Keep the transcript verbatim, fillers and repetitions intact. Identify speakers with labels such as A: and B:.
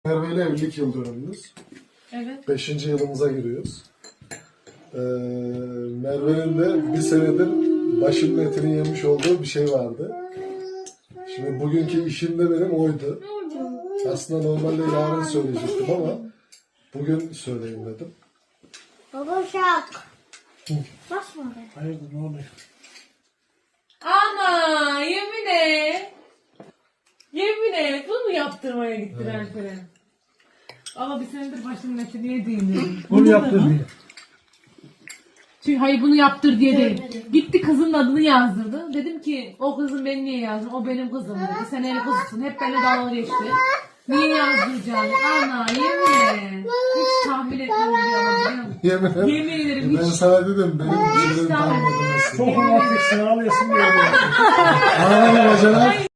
A: Merve ile evlilik yıl dönümümüz.
B: Evet.
A: Beşinci yılımıza giriyoruz. Ee, Merve'nin de bir senedir başımın etini yemiş olduğu bir şey vardı. Şimdi bugünkü işim de benim oydu. Aslında normalde yarın söyleyecektim ama bugün söyleyeyim dedim.
C: Baba şak. Basma be.
A: Hayırdır, ne oluyor?
B: Ana yemin et. Yemin et. Bunu mu yaptırmaya gittin
A: Evet.
B: Alperen? Ama bir senedir başımın etini yediğini.
D: Bunu yaptır diye.
B: Çünkü hayır bunu yaptır diye değil. Gitti kızın adını yazdırdı. Dedim ki o kızın beni niye yazdın? O benim kızım dedi. Sen el kızısın. Hep benimle dalga geçti. Niye yazdıracağım? Ana yemin et. Hiç tahmin etmedim bir an biliyor musun?
A: Yemin ederim.
B: Yemin ederim
A: Ben
B: hiç.
A: sana dedim benim bir şeylerim
B: tamam.
A: tahmin edemezsin.
D: Çok romantiksin, ağlayasın diye.
A: Ağlama bacana.